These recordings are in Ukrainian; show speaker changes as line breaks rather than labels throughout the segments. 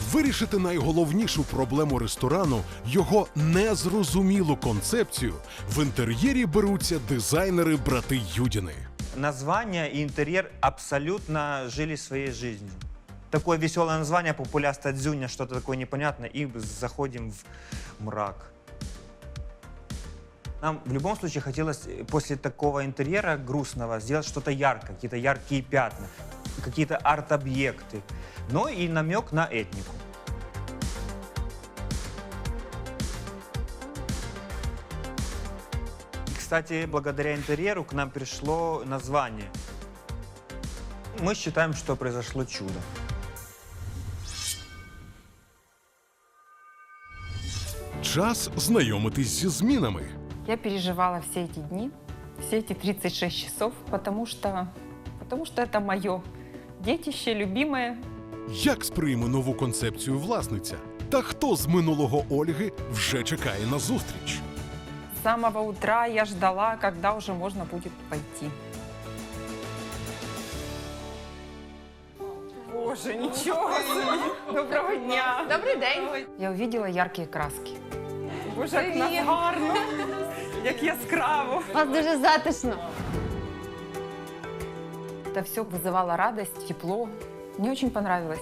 Вирішити найголовнішу проблему ресторану – його незрозумілу концепцію – в інтер'єрі беруться дизайнери-брати Юдіни.
Название и интерьер абсолютно жили своей жизнью. Такое веселое название, популяста дзюня, что-то такое непонятное, и заходим в мрак. Нам в любом случае хотелось после такого интерьера грустного сделать что-то яркое, какие-то яркие пятна, какие-то арт-объекты, но и намек на этнику. Кстати, благодаря интерьеру к нам пришло название. Мы считаем, что произошло чудо.
Час знайомитись зі змінами.
Я переживала все эти дни, все эти 36 часов, потому что это мое детище, любимое.
Як сприйме нову концепцію власниця? Та хто з минулого Ольги вже чекає на зустріч?
С самого утра я ждала, когда уже можно будет пойти. Боже, ничего себе! Доброго дня!
Добрий день.
Я увидела яркие краски. Боже, як нас гарно, як яскраво.
У вас дуже затишно.
Это все вызывало радость, тепло. Мне очень понравилось.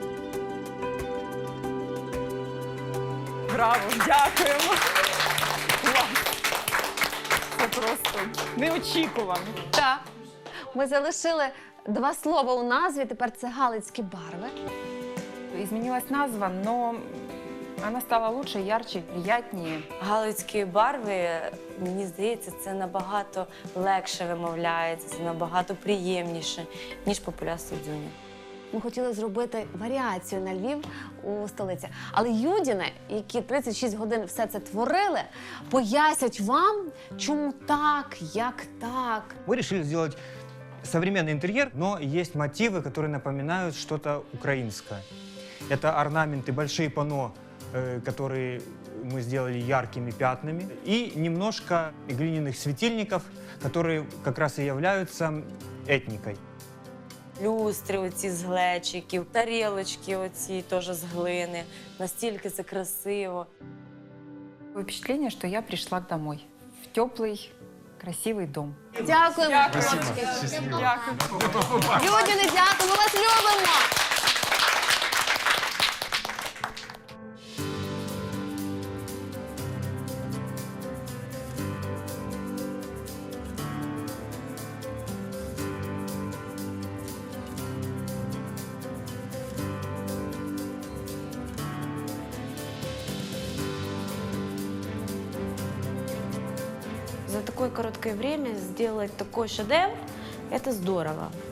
Браво, дякуємо. Клас. Це просто неочікувано.
Так. Ми залишили два слова у назві, тепер це галицькі барви.
Изменилась назва, но она стала лучше, ярче, приятнее.
Галицькі барви, мені здається, це набагато легше вимовляється, це набагато приємніше, ніж популяста дзюня.
Ми хотіли зробити варіацію на Львів у столиці. Але Юдіни, які 36 годин все це творили, пояснять вам, чому так, як так.
Мы решили сделать современный интерьер, но есть мотивы, которые напоминают что-то украинское. Это орнаменты, большие панно, которые мы сделали яркими пятнами, и немножко глиняных светильников, которые как раз и являются этникой.
Люстри оці з глечиків, тарілочки оці теж з глини. Настільки це красиво.
Такое впечатление, что я пришла домой. В теплый, красивый дом.
Дякуємо.
Дякую.
Юдіни, дякую, ми вас любимо.
За такое короткое время сделать такой шедевр – это здорово.